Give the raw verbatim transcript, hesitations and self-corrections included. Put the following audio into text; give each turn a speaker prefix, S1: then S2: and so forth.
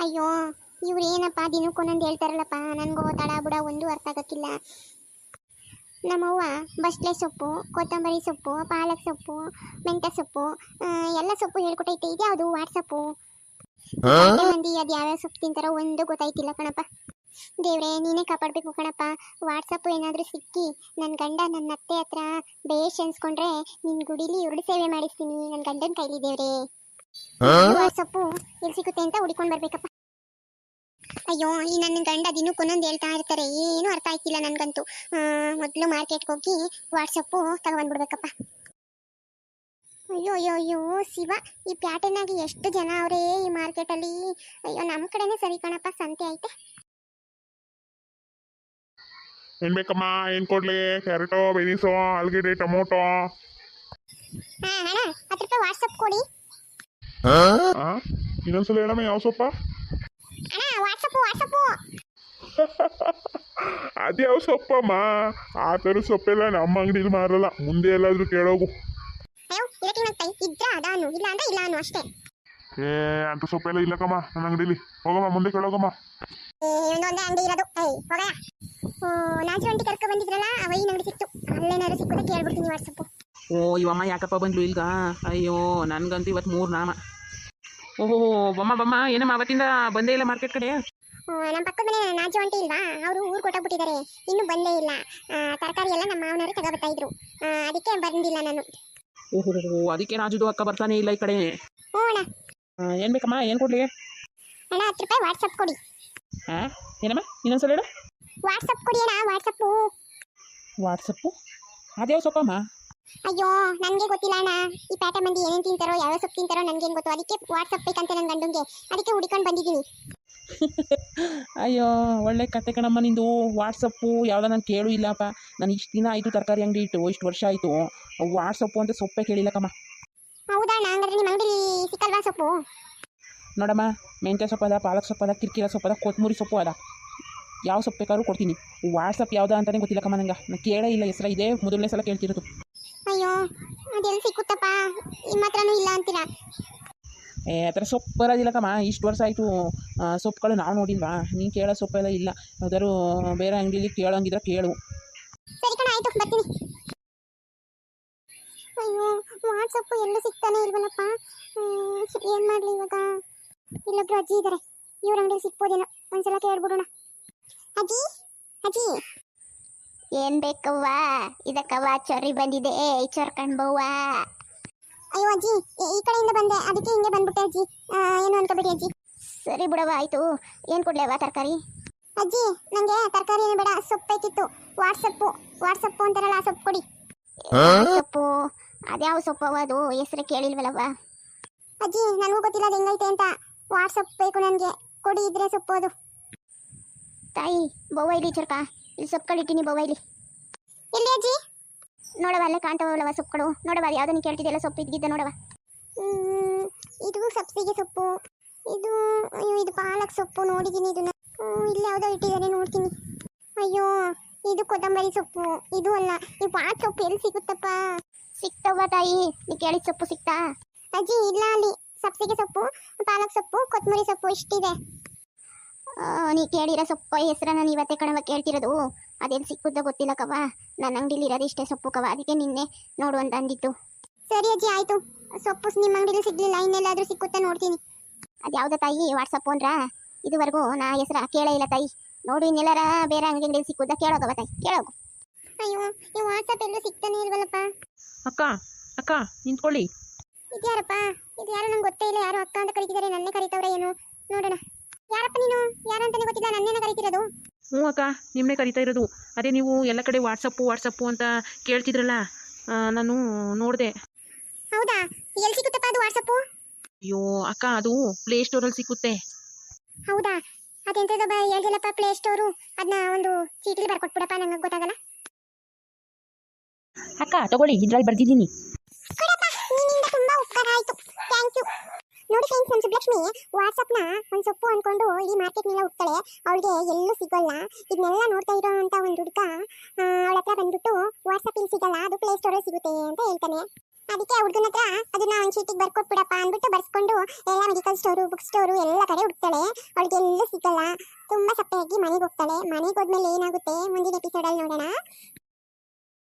S1: ಅಯ್ಯೋ ಇವ್ರು ಏನಪ್ಪ ದಿನಕ್ಕೊಂದೊಂದು ಹೇಳ್ತಾರಲ್ಲಪ್ಪ, ನನಗೂ ತಡ ಬುಡ ಒಂದು ಅರ್ಥ ಆಗಕ್ಕಿಲ್ಲ. ನಮ್ಮವ್ವ ಬಸ್ಲೆ ಸೊಪ್ಪು, ಕೊತ್ತಂಬರಿ ಸೊಪ್ಪು, ಪಾಲಕ್ ಸೊಪ್ಪು, ಮೆಂತ್ಯ ಸೊಪ್ಪು ಎಲ್ಲ ಸೊಪ್ಪು ಹೇಳ್ಕೊಟ್ಟೈತೆ. ಇದು ಯಾವುದು ವಾಟ್ಸಪ್ಪು? ಮಂದಿ ಅದು ಯಾವ್ಯಾವ ಸೊಪ್ಪು ತಿಂತಾರೋ ಒಂದು ಗೊತ್ತಾಯ್ತಿಲ್ಲ ಕಣಪ್ಪ. ದೇವ್ರೆ ನೀನೇ ಕಾಪಾಡಬೇಕು ಕಣಪ್ಪ. ವಾಟ್ಸಪ್ಪು ಏನಾದರೂ ಸಿಕ್ಕಿ ನನ್ನ ಗಂಡ ನನ್ನ ಅತ್ತೆ ಹತ್ರ ಬೇಷ್ ಅನ್ಸ್ಕೊಂಡ್ರೆ ನಿನ್ನ ಗುಡಿಲಿ ಉರುಳು ಸೇವೆ ಮಾಡಿಸ್ತೀನಿ ನನ್ನ ಗಂಡನ ಕೈಲಿ. ದೇವ್ರೆ ವಾಟ್ಸಪ್ಪು ಎಲ್ಲಿ ಸಿಗುತ್ತೆ ಅಂತ ಹುಡ್ಕೊಂಡು ಬರ್ಬೇಕಪ್ಪ. ಅಯ್ಯೋ ಈ ನನ್ನ ಗಂಡ ದಿನಕ್ಕೊಂದೊಂದು ಹೇಳ್ತಾ ಇರ್ತಾರೆ, ಏನು ಅರ್ಥ ಆಯ್ತಿಲ್ಲ ನನಗಂತೂ. ಮೊದಲು ಮಾರ್ಕೆಟ್ಗೆ ಹೋಗಿ ವಾಟ್ಸಪ್ಪು ತಗೊಂಡ್ಬಿಡ್ಬೇಕಪ್ಪ. ಅಯ್ಯೋ ಅಯ್ಯೋ ಅಯ್ಯೋ ಶಿವ, ಈ ಪ್ಯಾಟರ್ನಾಗಿ ಎಷ್ಟು ಜನ ಅವರೇ ಈ ಮಾರ್ಕೆಟಲ್ಲಿ. ಅಯ್ಯೋ ನಮ್ಮ ಕಡೆನೇ ಸರಿ ಕಣಪ್ಪ, ಸಂತೆ ಐತೆ.
S2: ಏನ್ ಬೇಕಮ್ಮ? ಏನ್ ಕೊಡ್ಲಿ? ಕ್ಯಾರೆಟೋ, ಬೆನೀಸೋ, ಆಲೂಗೆಡ್ಡೆ, ಟೊಮೊಟೊ?
S1: ಹಾ ಅಣ್ಣ ಹತ್ತು ರೂಪಾಯಿ ವಾಟ್ಸಪ್ ಕೊಡಿ.
S2: ಇನ್ನೊಂದ್ಸಲ ಹೇಳಮ್ಮ, ಯಾವ ಸೊಪ್ಪ?
S1: ಅಣ್ಣ ವಾಟ್ಸಪ್ಪು ವಾಟ್ಸಪ್ಪು.
S2: ಅದ್ಯಾವ ಸೊಪ್ಪಮ್ಮ? ಆ ಥರ ಸೊಪ್ಪೆಲ್ಲ ನಮ್ಮ ಅಂಗಡಿಲಿ ಮಾರಲ್ಲ, ಮುಂದೆ ಎಲ್ಲಾದ್ರೂ ಕೇಳೋಗು.
S1: ಅಯ್ಯೋ ಇದಕ್ಕೆ ಮತ್ತೆ ಇದ್ರ ಅದಾನು, ಇಲ್ಲ ಅಂದ್ರೆ ಇಲ್ಲ ಅನ್ನು ಅಷ್ಟೇ.
S2: ಏ ಅಂತ ಸೊಪ್ಪೆಲ್ಲ ಇಲ್ಲಕ್ಕಮ್ಮ ನನ್ನ ಅಂಗಡಿಲಿ. ಹೋಗಮ್ಮ ಮುಂದೆ ಕೇಳೋಗಮ್ಮ.
S1: ಒಂದೊಂದೇ ಅಂಗಡಿ ಇರೋದು. ಏಯ್ ಹೋಗಯ್ಯ. ಓ ನಾಜು ಅಂಟಿ ಕರ್ಕೊ ಬಂದಿದ್ರಲ್ಲ, ಅವೈನ ಅಂಗಡಿ ಸಿಕ್ತು. ಅಲ್ಲೇನಾದ್ರು ಸಿಕ್ಕುತ್ತೆ ಕೇಳ್ಬಿಡ್ತೀನಿ ವಾಟ್ಸಪ್ಪು.
S3: ಓ ಇವಮ್ಮ ಯಾಕಪ್ಪ ಬಂದ್ಲು ಇಲ್ಗ? ಅಯ್ಯೋ ನನ್ಗಂತೂ ಇವತ್ತು ಮೂರು ನಾಮ. ಓಹೋ ಬಮ್ಮ ಬಮ್ಮ, ಏನಮ್ಮ ಅವತ್ತಿಂದ ಬಂದೇ ಇಲ್ಲ ಮಾರ್ಕೆಟ್ ಕಡೆ?
S1: ನಮ್ಮ ಪಕ್ಕದ ಮನೆ ನಾಜು ಅಂಟಿ ಇಲ್ವಾ, ಅವರು ಊರು ಕೊಟ್ಟೋಗ್ಬಿಟ್ಟಿದ್ದಾರೆ, ಇನ್ನೂ ಬಂದೇ ಇಲ್ಲ. ತರಕಾರಿ ಎಲ್ಲ ನಮ್ಮ ಮಾವನವರು ತಗೋಬರ್ತಾ ಇದ್ರು, ಅದಕ್ಕೆ ಬಂದಿಲ್ಲ ನಾನು.
S3: ಓಹೋ ಅದಕ್ಕೆ ರಾಜುದು ಅಕ್ಕ ಬರ್ತಾನೆ ಇಲ್ಲ ಈ ಕಡೆ.
S1: ಹ್ಞೂ ಅಣ್ಣ.
S3: ಏನು ಬೇಕಮ್ಮ? ಏನು ಕೊಡ್ಲಿ
S1: ಅಣ್ಣ? ಹತ್ತು ರೂಪಾಯಿ ವಾಟ್ಸಪ್ ಕೊಡಿ.
S3: ಹಾಂ ಏನಮ್ಮ? ಇನ್ನೊಂದ್ಸಲ ಹೇಳು.
S1: ವಾಟ್ಸಪ್ ಕೊಡಿ ಅಣ್ಣ, ವಾಟ್ಸಪ್ಪು.
S3: ವಾಟ್ಸಪ್ಪು ಅದ್ಯಾವ ಸೊಪ್ಪಮ್ಮ?
S1: ಅಯ್ಯೋ ನನಗೆ ಗೊತ್ತಿಲ್ಲ ಅಣ್ಣ. ಈ ಪ್ಯಾಟ ಮಂದಿ ಏನೇನು ತಿಂತಾರೋ ಯಾವ ಸೊಪ್ಪು ತಿಂತಾರೋ ನನಗೇನು ಗೊತ್ತು. ಅದಕ್ಕೆ ವಾಟ್ಸಪ್ ಬೇಕಂತೆ ನನ್ನ ಗಂಡಂಗೆ, ಅದಕ್ಕೆ ಹುಡ್ಕೊಂಡು ಬಂದಿದ್ದೀನಿ.
S3: ಅಯ್ಯೋ ಒಳ್ಳೆ ಕತೆ ಕಣಮ್ಮ ನಿಂದು. ವಾಟ್ಸಪ್ಪು ಯಾವುದೋ ನಾನು ಕೇಳು ಇಲ್ಲಪ್ಪ. ನಾನು ಇಷ್ಟು ದಿನ ಆಯಿತು ತರಕಾರಿ ಅಂಗಡಿ ಇಟ್ಟು, ಇಷ್ಟು ವರ್ಷ ಆಯಿತು. ವಾಟ್ಸಪ್ಪು ಅಂತ ಸೊಪ್ಪೇ ಕೇಳಿಲ್ಲಕ್ಕಮ್ಮ.
S1: ಹೌದಾ ಅಣ್ಣ? ಹಂಗಾದ್ರೆ ನಿಮ್ಮ ಅಂಗಡಿ ಸಿಕ್ಕಲ್ವಾ ಸೊಪ್ಪು?
S3: ನೋಡಮ್ಮ, ಮೆಂತ್ಯ ಸೊಪ್ಪು ಅದ, ಪಾಲಕ್ ಸೊಪ್ಪು ಅದ, ಕಿರ್ಕಿರ ಸೊಪ್ಪು ಅದ, ಕೊತ್ತಂಬರಿ ಸೊಪ್ಪು ಅದ. ಯಾವ ಸೊಪ್ಪು ಬೇಕಾದ್ರೂ ಕೊಡ್ತೀನಿ. ವಾಟ್ಸಪ್ ಯಾವುದಾ ಅಂತಲೇ ಗೊತ್ತಿಲ್ಲಕ್ಕಮ್ಮ ನಂಗೆ. ನಾನು ಕೇಳೇ ಇಲ್ಲ ಹೆಸರ, ಇದೇ ಮೊದಲನೇ ಸಲ ಕೇಳ್ತಿರೋದು.
S1: ಅಯ್ಯೋ ಅದೆಲ್ಲಿ ಸಿಕ್ಕುತ್ತಪ್ಪ, ನಿಮ್ಮ ಹತ್ರನೂ ಇಲ್ಲ ಅಂತೀರಾ?
S3: ಏ ಆ ಥರ ಸೊಪ್ಪು ಬರೋದಿಲ್ಲಕ್ಕಮ್ಮ. ಇಷ್ಟು ವರ್ಷ ಆಯಿತು ಸೊಪ್ಪುಗಳು ನಾವು ನೋಡಿಲ್ವಾ? ನೀನು ಕೇಳೋ ಸೊಪ್ಪೆಲ್ಲ ಇಲ್ಲ. ಯಾವ್ದಾದ್ರು ಬೇರೆ ಅಂಗಡಿಲಿ ಕೇಳೋಂಗಿದ್ರೆ ಕೇಳು.
S1: ಸರಿ ಕಣ, ಆಯಿತು ಬರ್ತೀನಿ. ಅಯ್ಯೋ ವಾಟ್ಸಪ್ಪು ಎಲ್ಲೂ ಸಿಗ್ತಾನೆ ಇಲ್ವಲ್ಲಪ್ಪ. ಏನು ಮಾಡಲಿ ಇವಾಗ? ಇಲ್ಲೊಬ್ರು ಅಜ್ಜಿ ಇದ್ದಾರೆ, ಇವ್ರ ಅಂಗಡಿ ಸಿಕ್ಬೋದೇನೋ, ಒಂದ್ಸಲ ಕೇಳ್ಬಿಡೋಣ. ಅಜ್ಜಿ ಅಜ್ಜಿ ಏನ್ ಬೇಕವ್ವ? ಇದಕ್ಕವ್ವ ಚೊರಿ ಬಂದಿದೆ, ಚೊರ್ಕಂಡ್ ಬವ್ವ. ಅಯ್ಯೋ ಅಜ್ಜಿ ಈ ಕಡೆಯಿಂದ ಬಂದೆ, ಅದಕ್ಕೆ ಹಿಂಗೆ ಬಂದ್ಬಿಟ್ಟೆ ಅಜ್ಜಿ, ಏನು ಅನ್ಕೋಬೇಡಿ ಅಜ್ಜಿ. ಸರಿ ಬಿಡವ, ಆಯ್ತು. ಏನು ಕೊಡ್ಲೇವ ತರಕಾರಿ? ಅಜ್ಜಿ ನನಗೆ ತರಕಾರಿ ಏನು ಬೇಡ, ಸೊಪ್ಪು ಬೇಕಿತ್ತು. ವಾಟ್ಸಪ್ಪು ವಾಟ್ಸಪ್ಪು ಅಂತಾರಲ್ಲ ಆ ಸೊಪ್ಪು ಕೊಡಿ. ಸೊಪ್ಪು ಅದ್ಯಾವ ಸೊಪ್ಪವ? ಅದು ಹೆಸರು ಕೇಳಿಲ್ವಲ್ಲವ ಅಜ್ಜಿ. ನನಗೂ ಗೊತ್ತಿಲ್ಲ ಅದು ಹೆಂಗೈತೆ ಅಂತ. ವಾಟ್ಸಪ್ ಬೇಕು ನನಗೆ, ಕೊಡಿ ಇದ್ರೆ ಸೊಪ್ಪು ಅದು. ತಾಯಿ ಬವ್ವ ಇಲ್ಲಿ ಚೊರ್ಕ, ಇಲ್ಲಿ ಸೊಪ್ಪುಗಳಿಟ್ಟಿನಿ ಬವ್ವ ಇಲ್ಲಿ. ಎಲ್ಲಿ ಅಜ್ಜಿ? ನೋಡವ ಅಲ್ಲೇ ಕಾಣ್ತಾವಲ್ಲವ ಸೊಪ್ಪುಗಳು. ನೋಡವ ಅದು ಯಾವುದನ್ನು ಕೇಳ್ತಿದ್ದೆಲ್ಲ ಸೊಪ್ಪು ಇದ್ದಿದ್ದ ನೋಡವ. ಇದು ಸಬ್ಸಿಗೆ ಸೊಪ್ಪು, ಇದು ಅಯ್ಯೋ ಇದು ಪಾಲಕ್ ಸೊಪ್ಪು ನೋಡಿದ್ದೀನಿ ಇದನ್ನ. ಇಲ್ಲಿ ಯಾವುದೋ ಇಟ್ಟಿದ್ದಾರೆ ನೋಡ್ತೀನಿ. ಅಯ್ಯೋ ಇದು ಕೊತ್ತಂಬರಿ ಸೊಪ್ಪು, ಇದು ಅಲ್ಲ. ಈ ಪಾಲಕ್ ಸೊಪ್ಪು ಎಲ್ಲಿ ಸಿಗುತ್ತಪ್ಪ? ಸಿಕ್ತವ್ವ ತಾಯಿ, ನೀ ಕೇಳಿದ ಸೊಪ್ಪು ಸಿಕ್ತಾ? ಅಜ್ಜಿ ಇಲ್ಲ, ಅಲ್ಲಿ ಸಬ್ಸಿಗೆ ಸೊಪ್ಪು, ಪಾಲಕ್ ಸೊಪ್ಪು, ಕೊತ್ತಂಬರಿ ಸೊಪ್ಪು ಇಷ್ಟಿದೆ. ನೀ ಕೇಳಿರೋ ಸೊಪ್ಪು ಹೆಸರನ್ನ ನೀವತ್ತೆ ಕಣವ ಕೇಳ್ತಿರೋದು. ಅದೇನು ಸಿಕ್ಕುತ್ತೋ ಗೊತ್ತಿಲ್ಲ ಕವ, ನನ್ನ ಅಂಗಡಿಲಿ ಇರೋದು ಇಷ್ಟೇ ಸೊಪ್ಪು ಕವ, ಅದಕ್ಕೆ ನಿನ್ನೆ ನೋಡು ಅಂತ ಅಂದಿತ್ತು. ಸರಿ ಅಜ್ಜಿ ಆಯಿತು. ಸೊಪ್ಪು ನಿಮ್ಮ ಅಂಗಡಿಲಿ ಸಿಗ್ಲಿಲ್ಲ, ಇನ್ನೆಲ್ಲಾದರೂ ಸಿಕ್ಕುತ್ತಾ ನೋಡ್ತೀನಿ. ಅದು ಯಾವುದೋ ತಾಯಿ ವಾಟ್ಸಪ್ಪು ಅಂದ್ರ? ಇದುವರೆಗೂ ನಾ ಹೆಸರ ಕೇಳೇ ಇಲ್ಲ ತಾಯಿ. ನೋಡು ಇನ್ನೆಲ್ಲರ ಬೇರೆ ಅಂಗಡಿಲಿ ಸಿಕ್ಕುತ್ತಾ ಕೇಳೋಗವ ತಾಯಿ, ಕೇಳೋಗು. ಅಯ್ಯೋ ಈ ವಾಟ್ಸಪ್ ಎಲ್ಲೂ ಸಿಗ್ತಾನೆ ಇಲ್ವಲ್ಲಪ್ಪ.
S3: ಅಕ್ಕ ಅಕ್ಕ ನಿಂತ್ಕೊಳ್ಳಿ.
S1: ಇದ್ಯಾರಪ್ಪ? ಇದು ಯಾರು ನಂಗೆ ಗೊತ್ತೇ ಇಲ್ಲ. ಯಾರು ಅಕ್ಕ ಅಂತ ಕರೀತಿದ್ದಾರೆ, ನನ್ನೇ ಕರೀತವ್ರೆ ಏನು? ನೋಡೋಣ. ಯಾರಪ್ಪ ನೀನು? ಯಾರಂತಾನೆ ಗೊತ್ತಿಲ್ಲ, ನನ್ನೇನ ಕರೀತಿರೋದು?
S3: ಹ್ಞೂ ಅಕ್ಕ, ನಿಮ್ಮನ್ನೇ ಕರಿತಾ ಇರೋದು. ಅದೇ ನೀವು ಎಲ್ಲ ಕಡೆ ವಾಟ್ಸಪ್ಪು ವಾಟ್ಸಪ್ಪು ಅಂತ ಕೇಳ್ತಿದ್ರಲ್ಲ, ನಾನು ನೋಡಿದೆ.
S1: ಹೌದಾ? ಎಲ್ಲಿ ಸಿಗುತ್ತಪ್ಪ ಅದು ವಾಟ್ಸಪ್ಪು?
S3: ಅಯ್ಯೋ ಅಕ್ಕ, ಅದು ಪ್ಲೇ ಸ್ಟೋರಲ್ಲಿ ಸಿಕ್ಕುತ್ತೆ.
S1: ಹೌದಾ? ಅದೆಂತದ ಬಾ ಹೇಳ್ದಲ್ಲಪ್ಪ ಪ್ಲೇ ಸ್ಟೋರು, ಅದನ್ನ ಒಂದು ಚೀಟಿಲಿ ಬರ್ಕೊಟ್ಬಿಡಪ್ಪ, ನಂಗೆ ಗೊತ್ತಾಗಲ್ಲ.
S3: ಅಕ್ಕ ತಗೊಳ್ಳಿ, ಇದ್ರಲ್ಲಿ ಬರ್ದಿದ್ದೀನಿ.
S1: ಕೊಡಪ್ಪ, ನಿನ್ನಿಂದ ತುಂಬಾ ಉಪಕಾರ ಆಯಿತು, ಥ್ಯಾಂಕ್ ಯು. ನೋಡಿ ಫ್ರೆಂಡ್ಸ್, ನಮ್ಮ ಸುಬ್ಲಕ್ಷ್ಮಿ ವಾಟ್ಸಪ್ನ ಒಂದು ಸೊಪ್ಪು ಅಂದ್ಕೊಂಡು ಈ ಮಾರ್ಕೆಟ್ನೆಲ್ಲ ಹೋಗ್ತಾಳೆ. ಅವಳಿಗೆ ಎಲ್ಲೂ ಸಿಗೋಲ್ಲ. ಇದನ್ನೆಲ್ಲ ನೋಡ್ತಾ ಇರೋ ಅಂತ ಒಂದು ಹುಡುಗ ಅವಳ ಹತ್ರ ಬಂದ್ಬಿಟ್ಟು ವಾಟ್ಸಪ್ ಇಲ್ಲಿ ಸಿಗಲ್ಲ, ಅದು ಪ್ಲೇ ಸ್ಟೋರಲ್ಲಿ ಸಿಗುತ್ತೆ ಅಂತ ಹೇಳ್ತಾನೆ. ಅದಕ್ಕೆ ಹುಡುಗನ ಹತ್ರ ಅದನ್ನ ಒಂದು ಚೀಟಿಗೆ ಬರ್ಕೊಟ್ಬಿಡಪ್ಪ ಅಂದ್ಬಿಟ್ಟು ಬರ್ಸ್ಕೊಂಡು ಎಲ್ಲ ಮೆಡಿಕಲ್ ಸ್ಟೋರು ಬುಕ್ ಸ್ಟೋರು ಎಲ್ಲ ಕಡೆ ಹುಡುಕ್ತಾಳೆ. ಅವಳಿಗೆ ಎಲ್ಲೂ ಸಿಗಲ್ಲ. ತುಂಬಾ ಸಪ್ಪೆಯಾಗಿ ಮನೆಗೆ ಹೋಗ್ತಾಳೆ. ಮನೆಗೆ ಹೋದ್ಮೇಲೆ ಏನಾಗುತ್ತೆ ಮುಂದಿನ ಎಪಿಸೋಡಲ್ಲಿ ನೋಡೋಣ.